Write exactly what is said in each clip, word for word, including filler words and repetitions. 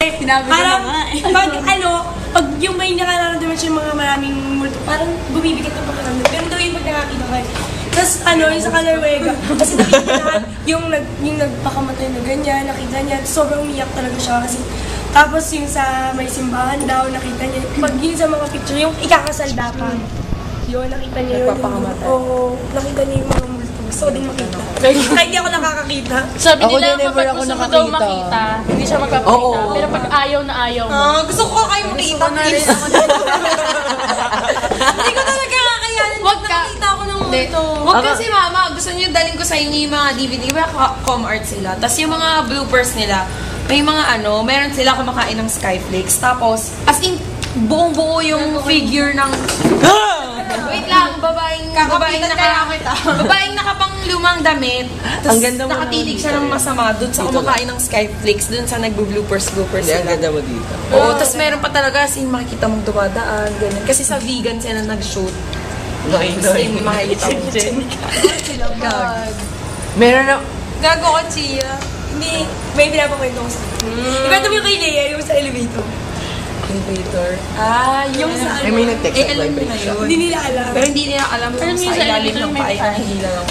Sinabi ko na nga eh. Pag ano, pag yung may nakararamdaman siya mga maraming multo, parang bumibigat ang pakiramdam. Pero daw yung pag nakakita kayo. Tapos ano, yung sa Kalarwega, kasi nakita niya yung, nag, yung nagpakamatay na ganyan, nakita niya, sobrang umiyak talaga siya kasi. Tapos yung sa may simbahan daw, nakita niya, pag yun sa mga picture, yung ikakasal dapat. Yun, nakita niya yun. Nagpapakamatay. Oo, nakita niya yung mga multo. Gusto ko din makita. Kahit hindi ako nakakakita. Sabi Ako nila din, never kapag ako gusto mo nakakita. daw makita, hindi siya magpapakita. Oo. Pero pag ayaw na ayaw mo. Ah, gusto ko kayo makita. Please. Hindi ko talaga kakayanin. Wag ka. Nakita ako ng multo. Wag kasi mama, gusto niyo dalhin ko sa inyo yung mga D V D. Diba com art sila? Tapos yung mga bloopers nila, may mga ano, meron sila kumakain ng Skyflakes. Tapos, as in, buong-buo yung figure ng... Wait lang, babaeng, babaeng naka, babaeng nakapang lumang damit. Tapos nakatitig siya ng masama dun sa kumakain ng Skyflakes, dun sa nagbo-bloopers-bloopers Hindi, ang sila. ganda mo dito. Oo, tapos meron pa talaga as in makikita mong dumadaan, ganyan. Kasi sa vegan sila nag-shoot. Noy, As in, makikita mo. Sila bag. Meron na... Gago ko, Chia. Hindi, may pinapakwento ko sa akin. Ikwento mo yung kay Lea, yung sa elevator. Elevator. Ah, yung sa Ay, may nag-text Eh, na alam live nila siya. yun. Hindi nila alam. Pero hindi nila alam Alam kung niyo sa sa ilalim elevator ng may paay fan. ang hila lang.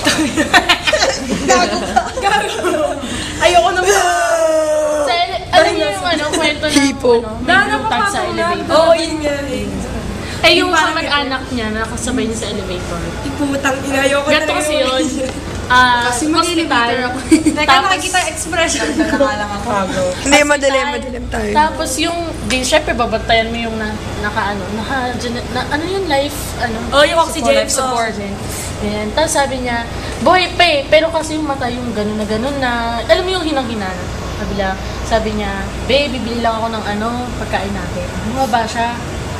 Gago ka. Gago. Ayoko na ba? Sa ele- alam niyo yung ano, kwento ng Hipo. ano, may blue tag sa elevator. Oo, yun nga eh. Eh, yung Parang kamag-anak niya na nakasabay niya sa elevator. Iputang ina, ayoko na. Ganito kasi yun. Ah, Kasi hospital. mag-elevator ako. Teka, Tapos- nakikita yung expression. Nakalang ako. Hindi, madilim, madilim tayo. Tapos yung, di, syempre, babantayan mo yung na, naka, ano, naka, na, ano yung life, ano? Oh, yung oxygen. Life support. Yan. Tapos sabi niya, boy, pe, pero kasi yung mata yung gano'n na gano'n na, alam mo yung hinang-hinan. Sabi niya, sabi niya, be, bibili lang ako ng ano, pagkain natin. Bumaba siya.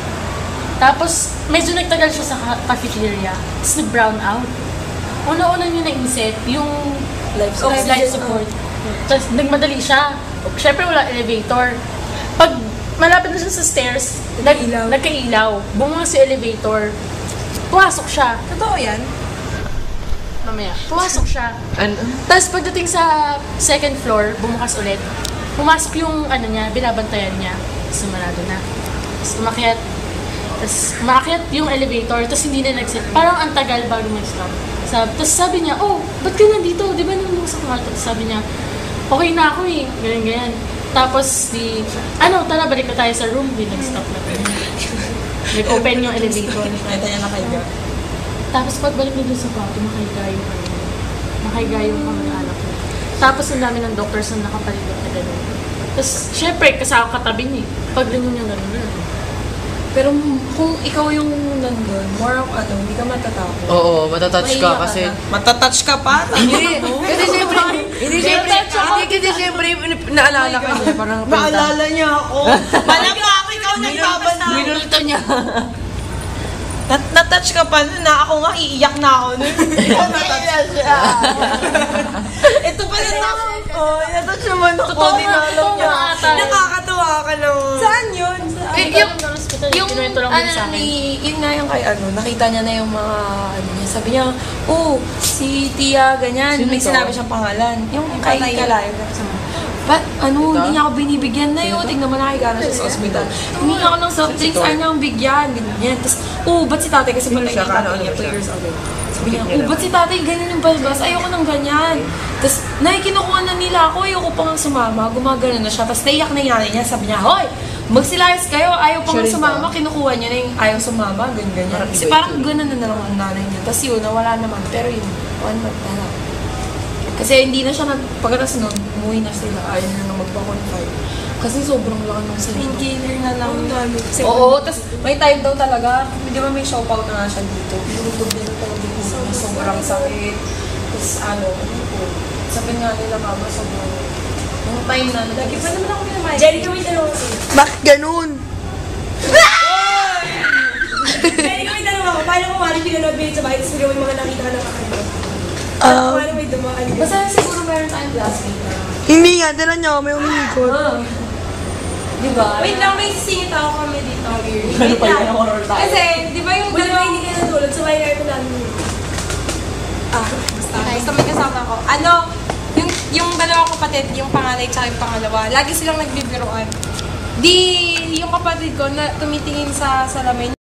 Tapos, medyo nagtagal siya sa ca- cafeteria. Tapos nag-brown out. Una-una niya naisip, yung Life support. support. Life support. Tapos nagmadali siya. Siyempre wala elevator. Pag malapit na siya sa stairs, nag, Nagkailaw. nagkailaw. Bumanga sa elevator. Pumasok siya. Totoo yan? Mamaya. Pumasok siya. Ano? Tapos pagdating sa second floor, bumukas ulit. Pumasok yung ano niya, binabantayan niya. Tapos sumarado na. Tapos umakyat. Tapos umakyat yung elevator, tapos hindi na nag-set. Parang ang tagal bago mag-stop. Sab tapos sabi niya, oh, ba't ka nandito? Di ba nung sa kwarto? Tapos sabi niya, okay na ako eh. Ganyan, ganyan. Tapos di, ano, tara, balik na tayo sa room. Di nag-stop na. Nag-open yung elevator. Nakita niya nakaiga. Tapos pagbalik nito sa kwarto, nakahiga yung ano, nakahiga yung kamag-anak ko. Tapos ang dami ng doctors na nakapaligot na gano'n. Tapos, syempre, kasama katabi niya. Pag lingon niya gano'n na. Pero kung ikaw yung nandun, more of ano, hindi ka matatakot. Oo, matatouch ka Maiiyak kasi... na. Matatouch ka pa? Hindi, kasi siyempre, hindi siyempre, hindi kasi siyempre, naalala ka niya, parang Maalala niya ako. Malam pa ako, ikaw nagbabasa. Minulto niya. Nat natouch ka pa nun na ako nga, iiyak na ako nun. Ikaw natouch siya. Ito pa rin ako. Oh, natouch naman ako. Totoo nga, Dinalaw totoo niya. nga ata. Nakakatuwa ka naman. Saan yun? Eh, yung, yung, Yung, lang din sa ano, akin. ni, yun nga yung kay ano, nakita niya na yung mga, ano niya, sabi niya, oh, si Tia, ganyan, Sino may to? sinabi siyang pangalan. Yung kay Kalayo. Ba't, ano, hindi niya ako binibigyan na yun, tignan mo nakikita na siya sa ospital. Hindi ako ng soft drinks, ayaw niya akong bigyan, ganyan. Tapos, oh, ba't si tatay, kasi patay siya? yung tatay Ano, niya, ano two siya? years old. Sabi niya, oh, ba't si tatay ganyan yung balbas? Ayoko ng ganyan. Tapos, nakikinukuha na nila ako, ayoko pa nga sumama, gumagano na siya. Tapos, naiyak na yung nanay niya, sabi niya, hoy, magsilayas kayo, ayaw pa nga Siya rin sumama, ba? kinukuha niya na yung ayaw sumama, ganyan, ganyan. Parang Kasi iba parang ito. gano'n na na lang ang nanay niya. Tapos yun, nawala naman. Pero yun, one month na lang. Kasi hindi na siya nag... Pagkatas nun, umuwi na sila. Ayaw na nang magpa-confine. Kasi sobrang laki ng salita. Painkiller na lang. Kasi Oo, tapos may time daw talaga. Di ba may show out na nga siya dito. Durugod din ito. Sobrang, sobrang sakit. Tapos ano, ano po. Sabi nga nila mama, sobrang... Yung time na... Lagi pa naman ako pinamay. Jerry, kami tanong ako. Bakit ganun? Jerry, kami tanong ako. Paano kung wala pinanood mo yun sa bahay, tapos bigyan mo yung mga nakita ka ng kakaiba? Um, Paano may dumaan? Basta siguro meron tayong classmate na... Hindi nga, dala niya, may umikot. Ah. Di ba? Wait lang, may sisingit ako kami dito. Ano pa yun? Horror tayo. Kasi, di ba yung dalawa hindi kayo natulog, sabay na ito namin. Ah, basta. Basta may kasama ko. Ano, yung, yung dalawang kapatid, yung panganay tsaka yung pangalawa, lagi silang nagbibiruan. Di yung kapatid ko na tumitingin sa salamin,